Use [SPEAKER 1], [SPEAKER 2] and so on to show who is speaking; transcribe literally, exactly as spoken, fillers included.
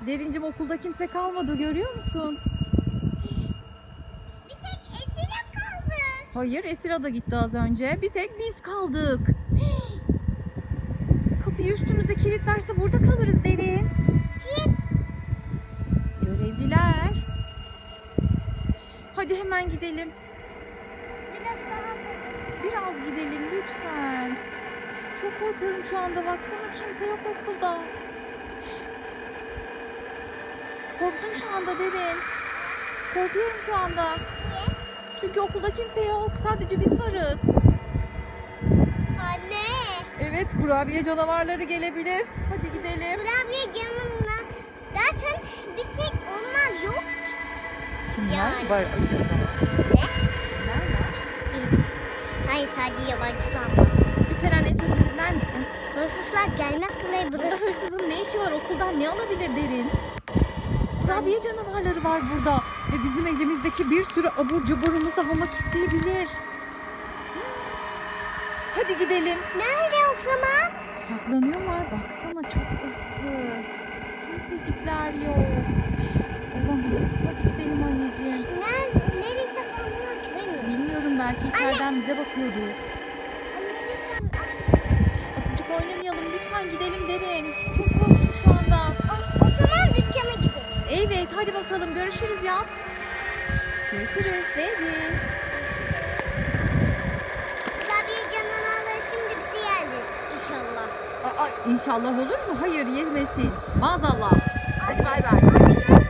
[SPEAKER 1] Derincim, okulda kimse kalmadı, görüyor musun?
[SPEAKER 2] Bir tek Esila kaldı.
[SPEAKER 1] Hayır, Esra da gitti az önce. Bir tek biz kaldık. Kapıyı üstümüze kilitlerse burada kalırız Derin.
[SPEAKER 2] Kim?
[SPEAKER 1] Görevliler. Hadi hemen gidelim.
[SPEAKER 2] Biraz daha
[SPEAKER 1] Biraz gidelim lütfen. Çok korkuyorum şu anda. Baksana, kimse yok okulda. Korktum şu anda Derin. Korkuyorum şu anda.
[SPEAKER 2] Niye?
[SPEAKER 1] Çünkü okulda kimse yok. Sadece biz varız.
[SPEAKER 2] Anne.
[SPEAKER 1] Evet, kurabiye canavarları gelebilir. Hadi gidelim.
[SPEAKER 2] Kurabiye canımla. Zaten bir tek onlar yok.
[SPEAKER 1] Kimler
[SPEAKER 2] Yani.
[SPEAKER 1] var acaba?
[SPEAKER 2] Ne?
[SPEAKER 1] Kimler var?
[SPEAKER 2] Hayır, sadece yabancılar var.
[SPEAKER 1] Lütfen anne, sözünü dinler misin?
[SPEAKER 2] Hırsızlar gelmez buraya
[SPEAKER 1] Burada
[SPEAKER 2] bırakır.
[SPEAKER 1] hırsızın ne işi var? Okuldan ne alabilir Derin? Kurabiye canavarları var burada. Ve bizim elimizdeki bir sürü abur cuburumuzu almak isteyebilir. Hadi gidelim.
[SPEAKER 2] Nerede o zaman?
[SPEAKER 1] Saklanıyorlar. Baksana, çok ıssız. Kimsecikler yok. Olamaz. Hadi gidelim anneciğim.
[SPEAKER 2] Nerede? Nereye saklanıyor ki bilmiyorum.
[SPEAKER 1] Bilmiyorum, belki içeriden bize bakıyordur.
[SPEAKER 2] Anne lütfen aç.
[SPEAKER 1] Asıcık oynamayalım. Lütfen gidelim Derin. Çok korktum şu anda.
[SPEAKER 2] O, o zaman dükkana gidelim.
[SPEAKER 1] Evet, hadi bakalım. Görüşürüz ya. Görüşürüz Derin.
[SPEAKER 2] Kurabiye canavarları şimdi bizi yerdir inşallah.
[SPEAKER 1] Aa, inşallah olur mu? Hayır, yemesin. Maazallah. Hadi bay bay.